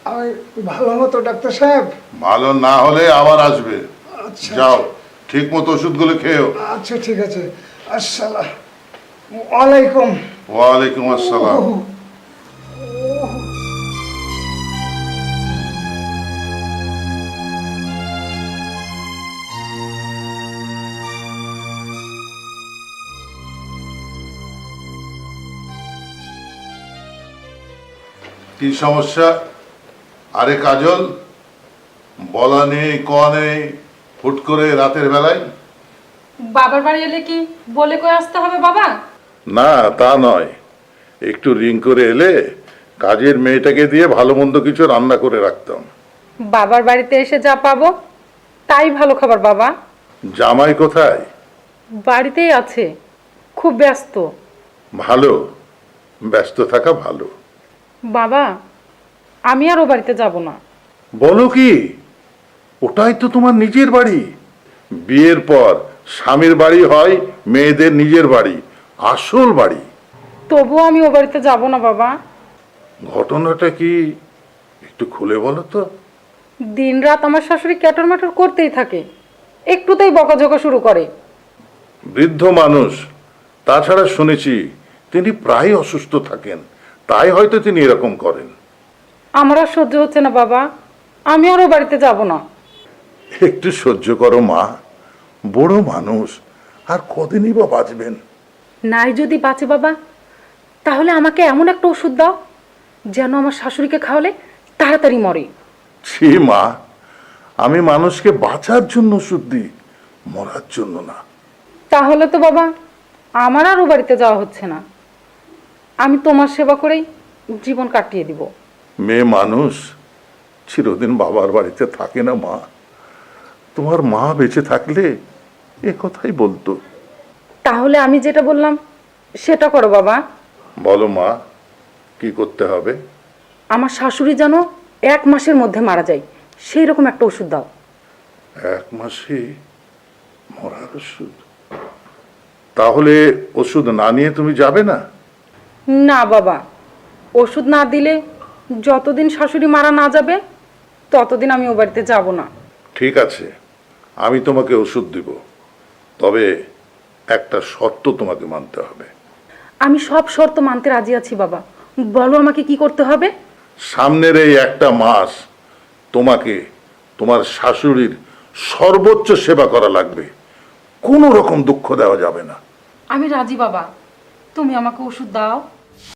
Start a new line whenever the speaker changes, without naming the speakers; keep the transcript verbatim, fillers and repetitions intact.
আমি ভালো মতো ডাক্তার সাহেব।
ভালো না হলে আবার আসবে।
আচ্ছা
যাও, ঠিক মতো ওষুধগুলো খেয়েও।
আচ্ছা ঠিক আছে। আসসালামু আলাইকুম।
ওয়ালাইকুম আসসালাম। কি সমস্যা? আরে কাজল, বলা নেই কওয়া নেই, হুট করে রাতের বেলায়?
বাবার বাড়ি এলে কি বলে কয়ে আসতে হবে বাবা?
না তা নয়, একটু রিং করে এলে কাজের মেয়েটাকে দিয়ে ভালো মন্দ কিছু রান্না করে রাখতাম।
বাবার বাড়িতে এসে যা পাবো তাই ভালো খাবার বাবা।
জামাই কোথায়?
বাড়িতেই আছে, খুব ব্যস্ত।
ভালো, ব্যস্ত থাকা ভালো।
বাবা, আমি আর ও বাড়িতে যাব না।
বলো কি? ওটাই তো তোমার নিজের বাড়ি। বিয়ের পর স্বামীর বাড়ি হয় মেয়েদের নিজের বাড়ি, আসল বাড়ি।
তবুও আমি ও বাড়িতে যাব না বাবা।
ঘটনাটা কি একটু খুলে বলো তো।
দিন রাত আমার শাশুড়ি ক্যাটর ম্যাটর করতেই থাকে, একটুতেই বকাঝকা শুরু করে।
বৃদ্ধ মানুষ, তাছাড়া শুনেছি তিনি প্রায় অসুস্থ থাকেন, তাই হয়তো তিনি এরকম করেন।
আমার আর সহ্য হচ্ছে না বাবা, আমি আর ও বাড়িতে যাব না।
একটু সহ্য করো মা, বড় মানুষ, আর কদিনই বা বাঁচবেন।
নাই যদি বাঁচে বাবা, তাহলে আমাকে এমন একটা ওষুধ দাও যেন আমার শাশুড়িকে খাওয়ালে তাড়াতাড়ি মরে।
ছি মা, আমি মানুষকে বাঁচার জন্য ওষুধ দিই, মরার জন্য না।
তাহলে তো বাবা আমার আর ও বাড়িতে যাওয়া হচ্ছে না, আমি তোমার সেবা করেই জীবন কাটিয়ে দিব।
মেয়ে মানুষ চিরদিন বাবার বাড়িতে থাকে না মা। তোমার মা বেঁচে থাকলে এ কথাই বলতো।
তাহলে আমি যেটা বললাম সেটা করো বাবা।
বলো মা, কি করতে হবে?
আমার শাশুড়ি যেন এক মাসের মধ্যে মারা যায় সেই রকম একটা ওষুধ দাও।
এক মাসে মরার ওষুধ? তাহলে ওষুধ না নিয়ে তুমি যাবে না?
না বাবা, ওষুধ না দিলে যতদিন শাশুড়ি মারা না যাবে ততদিন আমি ও বাড়িতে যাব না।
ঠিক আছে, আমি তোমাকে ওষুধ দিব, তবে একটা শর্ত তোমাকে মানতে হবে।
আমি সব শর্ত মানতে রাজি আছি বাবা, বলো আমাকে কি করতে হবে।
সামনের এই একটা মাস তোমাকে তোমার শাশুড়ির সর্বোচ্চ সেবা করা লাগবে, কোনো রকম দুঃখ দেওয়া যাবে না।
আমি রাজি বাবা, তুমি আমাকে ওষুধ দাও।